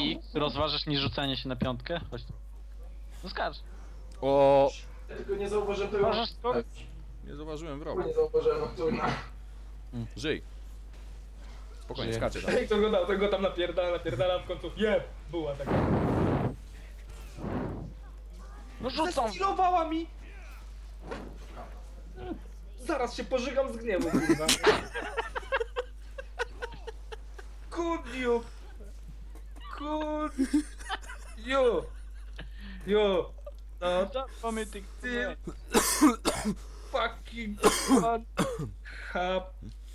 X rozważasz niż rzucanie się na piątkę? Chodź tu. No skacz. O, Ja tylko nie zauważyłem tego. Uważasz to? Tak, nie zauważyłem wrogu. nie zauważyłem Nocturna. Żyj. Spokojnie, Żyję. skacze tam. Ej, to go tam napierdala, w końcu jeb! Była taka. No rzucam! Zastylowała mi! Zaraz się pożygam z gniewu, kurwa. Could you? Could you? You. No, Mamy tych... ty... Fucking one have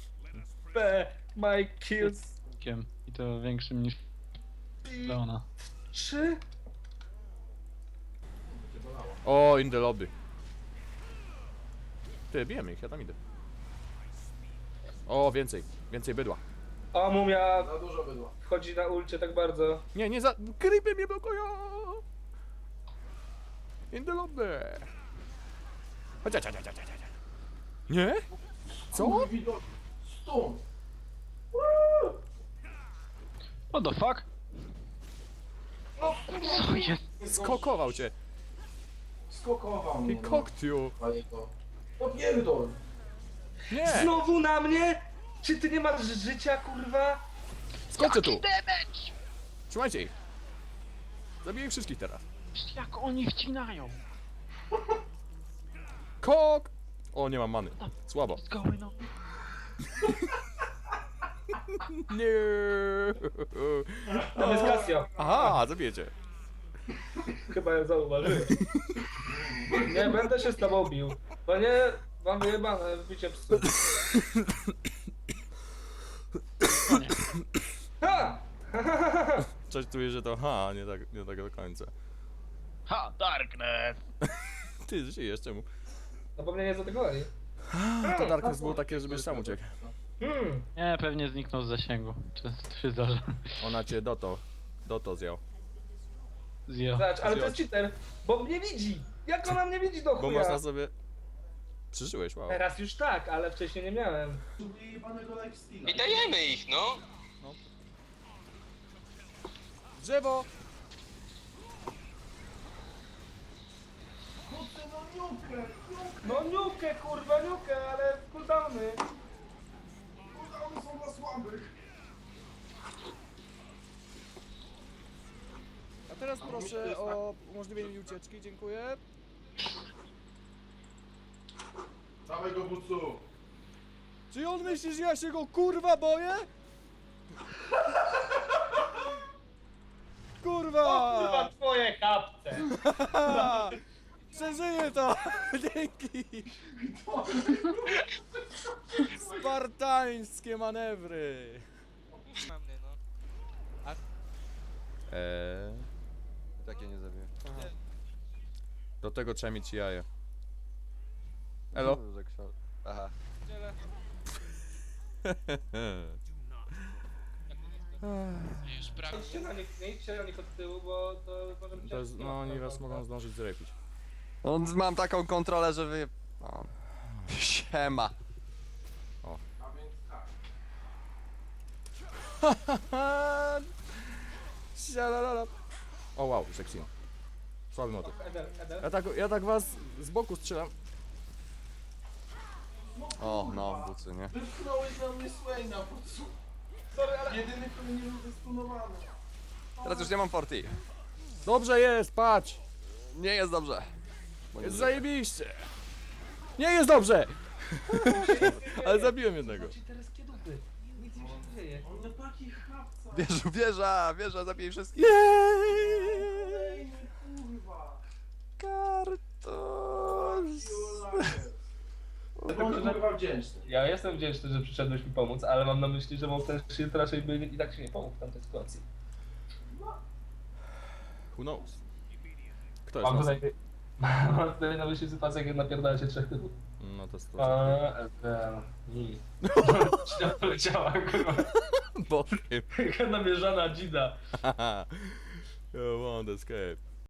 my kills. I to większym niż Leona. 3? O, in the lobby. Ty, bijemy ich, ja tam idę. O, więcej. Więcej bydła. O, mumia Za dużo bydła. wchodzi na ulcie tak bardzo. Nie, nie za... Creepy mnie blokują! In the lobby! Chodź, chodź, chodź, chodź, chodź. Nie? Co? Widok. Stąd. What the fuck? No, Co jest? Skokował cię! Skokował Ty mnie. koktiu! No pierdol. Nie! Znowu na mnie? Czy ty nie masz życia, kurwa? Skoczę tu! damage! Trzymajcie ich! Zabiję ich wszystkich teraz. Jak oni wcinają? Kok! O, nie mam many. Słabo. What's going on? Nie. Tam jest Casio. Aha, zabijecie. Chyba ja zauważyłem. Nie będę się z tobą bił. Bo nie, mam wyjebane w bicie psu. No nie. Ha! Coś czuję, że to nie tak do końca. Ha! Darkness! Ty żyjesz, czemu? No bo mnie nie zaatakowali. To Darkness było takie, żebyś sam uciekł. Nie, pewnie zniknął z zasięgu. Czy zdąży? Ona cię doto zjął. Zjo. Zobacz, ale to jest cheater, bo mnie widzi. Jak ona mnie widzi do Bo chuja? można sobie... Przeżyłeś, wow. Teraz już tak, ale wcześniej nie miałem. Jebanego lifesteala. I dajemy ich, no. Drzewo! Kurde, no niukę. No niukę, kurwa, niukę, ale cooldowny. Kurde, są dla słabych. A teraz proszę o umożliwienie mi ucieczki, dziękuję. Dawaj go, Bucu. Czy on myśli, że ja się go kurwa boję? Kurwa! Kurwa, twoje kapce. Przeżyję to! Dzięki! Spartańskie manewry! Mam mnie, no. Takie nie zabiję. Do tego trzeba mieć jaja. Elo? Aha. Już prawie. Nie idźcie na nich od tyłu, bo to może być... To jest, no oni was mogą zdążyć zrepić. No, mam taką kontrolę, że wy... O. Siema. A więc tak. Sialalala. O wow, seksino. Słaby motyw. Eder. Ja tak was z boku strzelam. O, no, bucy, nie? Wypchnąłeś na mnie Swaina, Bucu. Sorry, ale... Jedyny, który nie był zestunowany. Teraz już nie mam forti. Dobrze jest, patrz! Nie jest dobrze. Bo nie Jest żyję. zajebiście! Nie jest dobrze! Ale zabiłem jednego. Ci teraz kiedupy. Nic im się nie dzieje. On to taki chłopca. Wieża, zabij wszystkich. Jej! Kurwa. Kartos. Bądź kurwa wdzięczny. Ja jestem wdzięczny, że przyszedłeś mi pomóc, ale mam na myśli, że Monster Shield raczej by i tak się nie pomógł w tamtej sytuacji. Who knows? Kto jest Mam nas? tutaj... Mam tutaj na myśli sytuację, jak napierdala się trzech typów. No to jest Źle poleciała, kurwa. Bokiem. Jaka namierzana dzida. You won't escape.